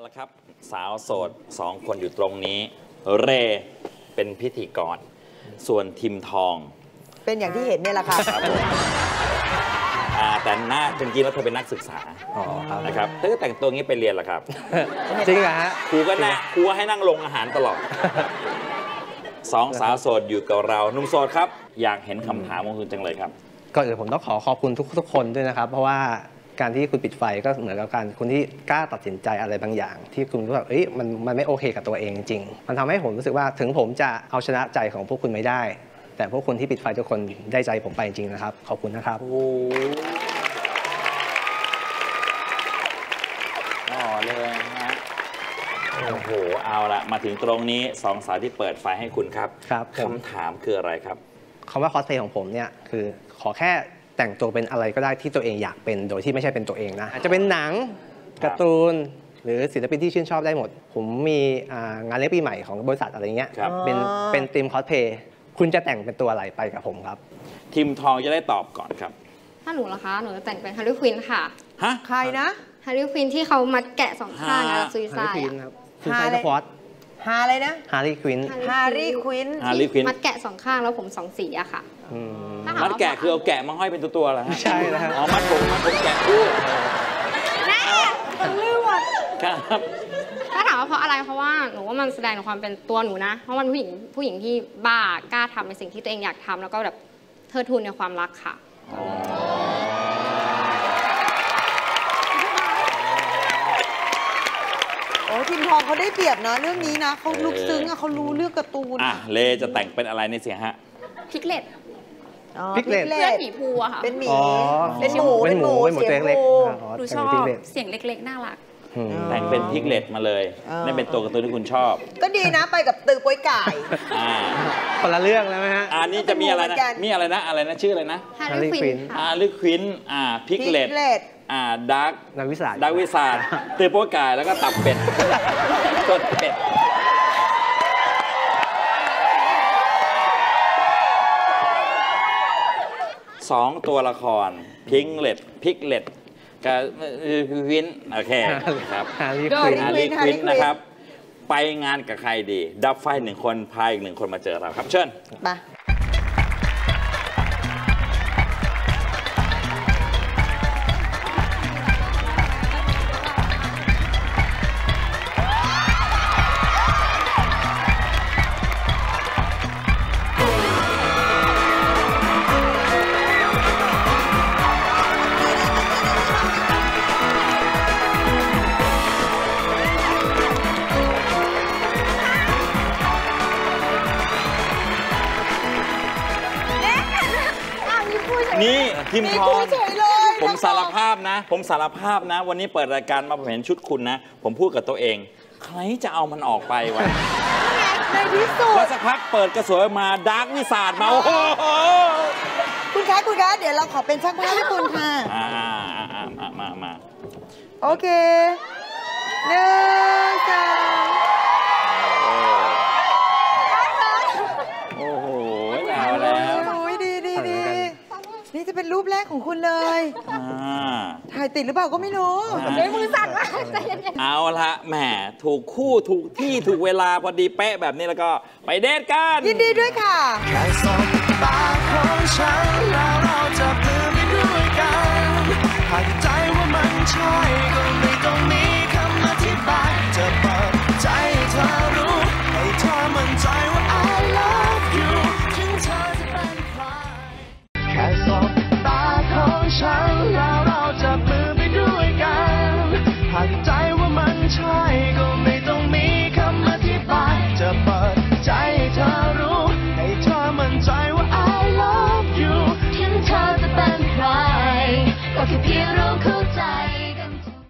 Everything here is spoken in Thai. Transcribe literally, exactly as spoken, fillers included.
ละครับสาวโสดสองคนอยู่ตรงนี้เรเป็นพิธีกรส่วนทิมทองเป็นอย่างที่เห็นเนี่ยแหละค่ะแต่หน้าจริงๆแล้วเธอเป็นนักศึกษานะครับเธอก็แต่งตัวงี้ไปเรียนเหรอครับจริงเหรอฮะครูก็นั่งครูให้นั่งลงอาหารตลอดสองสาวโสดอยู่กับเราหนุ่มโสดครับอยากเห็นคำถามของคุณจังเลยครับก่อนอื่นผมต้องขอขอบคุณทุกทุกคนด้วยนะครับเพราะว่าการที่คุณปิดไฟก็เหมือนกับการคุณที่กล้าตัดสินใจอะไรบางอย่างที่คุณรู้ว่าเอ้ยมันมันไม่โอเคกับตัวเองจริงมันทำให้ผมรู้สึกว่าถึงผมจะเอาชนะใจของพวกคุณไม่ได้แต่พวกคุณที่ปิดไฟทุกคนได้ใจผมไปจริงนะครับขอบคุณนะครับโอ้อ๋อเลยนะโอ้โหเอาละมาถึงตรงนี้สองสาวที่เปิดไฟให้คุณครับครับคำถามคืออะไรครับคำว่าคอสเพลย์ของผมเนี่ยคือขอแค่แต่งตัวเป็นอะไรก็ได้ที่ตัวเองอยากเป็นโดยที่ไม่ใช่เป็นตัวเองนะอาจจะเป็นหนังการ์ตูนหรือศิลปินที่ชื่นชอบได้หมดผมมีงานเลี้ยงปีใหม่ของบริษัทอะไรเงี้ยเป็นเป็นทีมคอสเพลย์คุณจะแต่งเป็นตัวอะไรไปกับผมครับทีมทองจะได้ตอบก่อนครับถ้าหนูล่ะคะหนูจะแต่งเป็นฮาร์รี่ควินค่ะฮะใครนะฮาร์รี่ควินที่เขามัดแกะสองข้างแล้วซุยไซด์คุณไซด์ควอตฮาอะไรนะฮาร์รี่ควินฮาร์รี่ควินฮาร์รี่ควินมัดแกะสองข้างแล้วผมสองสีอะค่ะมัดแกะคือเอาแกะมาห้อยเป็นตัวๆเหรอฮะใช่แล้วอ๋อมัดผมมัดผมแกะคู่แน่ต้องเลือกครับถ้าถามว่าเพราะอะไรเพราะว่าหนูว่ามันแสดงถึงความเป็นตัวหนูนะเพราะมันผู้หญิงผู้หญิงที่บ้ากล้าทำในสิ่งที่ตัวเองอยากทำแล้วก็แบบเทิดทูนในความรักค่ะโอ้ทีมทองเขาได้เปรียบนะเรื่องนี้นะเขาลึกซึ้งอะเขารู้เรื่องการ์ตูนอ่ะเลจะแต่งเป็นอะไรในเสียฮะพิกเลตพิกเลตเพื่อนหมีภูอะค่ะเป็นหมีเป็นหมูเป็นหมูเป็นหมูตัวเล็กหนูชอบเสียงเล็กๆน่ารักแต่งเป็นพิกเลตมาเลยนั่นเป็นตัวการ์ตูนที่คุณชอบก็ดีนะไปกับตือโป้ยไก่คนละเรื่องแล้วไหมฮะอันนี้จะมีอะไรนะมีอะไรนะอะไรนะชื่ออะไรนะฮาร์รี่ควินฮาร์รี่ควินอ่าพิกเลตอ่าดักดักวิสาดักวิสาตือโป้ยไก่แล้วก็ตับเป็ดต้นเป็ดสองตัวละครพิงเลตพิกเลตกับวินโอเคครับฮาร์รี่ควินนะครับไปงานกับใครดีดับไฟหนึ่งคนพาอีกหนึ่งคนมาเจอเราครับเชิญมานี่ทีมทองผมสารภาพนะผมสารภาพนะวันนี้เปิดรายการมาผมเห็นชุดคุณนะผมพูดกับตัวเองใครจะเอามันออกไปวะในที่สุดแล้วสักพักเปิดกระสวยมาดาร์กวิสาดมาโอ้โหคุณคะคุณคะเดี๋ยวเราขอเป็นช่างภาพให้คุณค่ะอ่ามามามาโอเคหนึ่งสองโอ้โหเอาแล้วดีดีดีนี่จะเป็นรูปแรกของคุณเลยถ่ายติดหรือเปล่าก็ไม่รู้ด้วยมือสั่นมากใจเย็นๆเอาละแหมถูกคู่ถูกที่ถูกเวลาพอดีเป๊ะแบบนี้แล้วก็ไปเดทกันยินดีด้วยค่ะแค่สบตาของฉันแล้วเราจะเปลี่ยนไปด้วยกันหากใจว่ามันใช่ก็